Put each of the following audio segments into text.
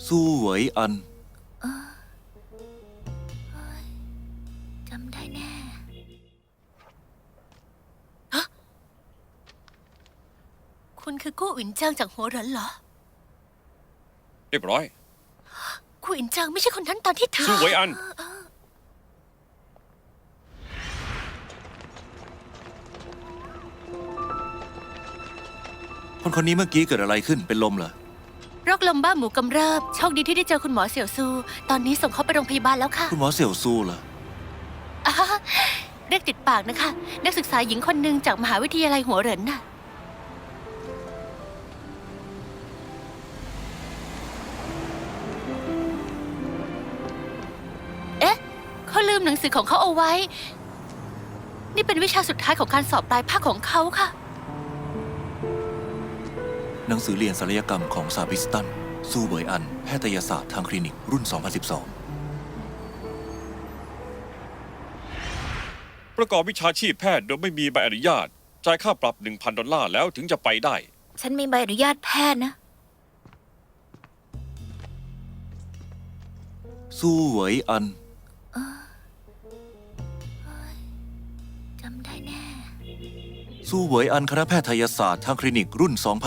สู้เหวยอันจำได้แน่คุณคือกู้อินเจิงจากหัวเหรินเหรอเรียบร้อยกู้อินเจิงไม่ใช่คนนั้นตอนที่เธอสู้เหวยอันคนนี้เมื่อกี้เกิดอะไรขึ้นเป็นลมเหรอโรคลมบ้าหมูกำเริบโชคดีที่ได้เจอคุณหมอเสี่ยวซูตอนนี้ส่งเขาไปโรงพยาบาลแล้วค่ะคุณหมอเสี่ยวซูเหรออ่าเรียกติดปากนะคะ นักศึกษาหญิงคนหนึ่งจากมหาวิทยาลัยหัวเหรินน่ะเอ๊ะเขาลืมหนังสือของเขาเอาไว้ นี่เป็นวิชาสุดท้ายของการสอบปลายภาคของเขาค่ะหนังสือเรียนศัลยกรรมของซาบิสตันสู้เหวยอันแพทยศาสตร์ทางคลินิกรุ่น 2012 ประกอบวิชาชีพแพทย์โดยไม่มีใบอนุญาตจ่ายค่าปรับ 1,000 ดอลลาร์แล้วถึงจะไปได้ฉันมีใบอนุญาตแพทย์นะสู้เหวยอันจำได้แน่สู้เหวยอันคณะแพทยศาสตร์ทางคลินิกรุ่น 2012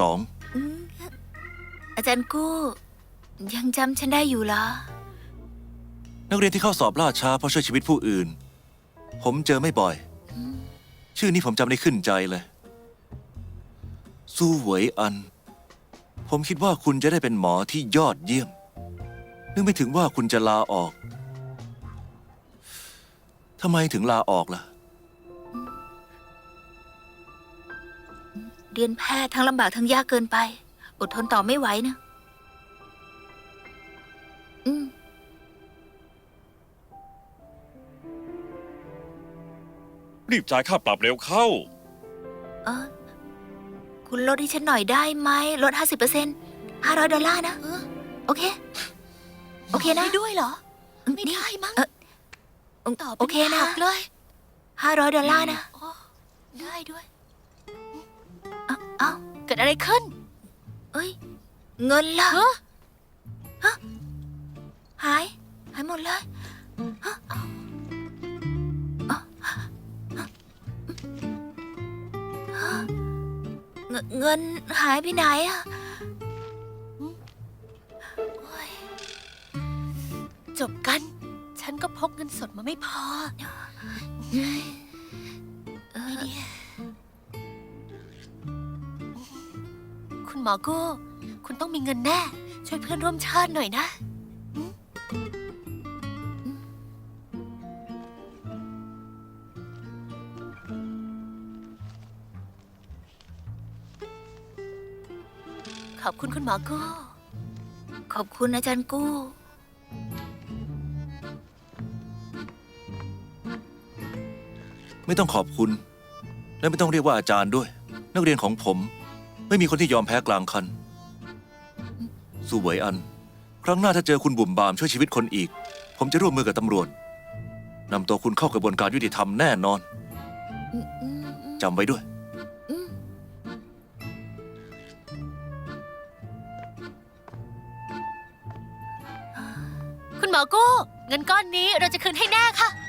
อาจารย์กู้ยังจำฉันได้อยู่เหรอนักเรียนที่เข้าสอบล่าช้าเพราะช่วยชีวิตผู้อื่น ผมเจอไม่บ่อย ชื่อนี้ผมจำได้ขึ้นใจเลย สู้เหวยอัน ผมคิดว่าคุณจะได้เป็นหมอที่ยอดเยี่ยม นึกไม่ถึงว่าคุณจะลาออก ทำไมถึงลาออกล่ะเรียนแพทย์ทั้งลำบากทั้งยากเกินไป อดทนต่อไม่ไหวนะรีบจ่ายค่าปรับเร็วเข้าเออคุณลดให้ฉันหน่อยได้ไหมลด 50% $500นะ โอเค โอเคนะด้วยเหรอ ไม่ได้มั้งตอบโอเคนะเลย$500นะได้ด้วยเอ้าเกิดอะไรขึ้น เอ้ย เงินล่ะฮะหายหมดเลยฮะเงินหายไปไหนอะจบกัน ฉันก็พกเงินสดมาไม่พอคุณหมอโก้คุณต้องมีเงินแน่ ช่วยเพื่อนร่วมชาติหน่อยนะ ขอบคุณคุณหมอกู้ ขอบคุณอาจารย์กู้ไม่ต้องขอบคุณ และไม่ต้องเรียกว่าอาจารย์ด้วย นักเรียนของผม ไม่มีคนที่ยอมแพ้กลางคัน สู้เหวยอัน ครั้งหน้าถ้าเจอคุณบุ่มบามช่วยชีวิตคนอีก ผมจะร่วมมือกับตำรวจนำตัวคุณเข้ากระบวนการยุติธรรมแน่นอนจำไว้ด้วยคุณหมอกู้เงินก้อนนี้เราจะคืนให้แน่ค่ะ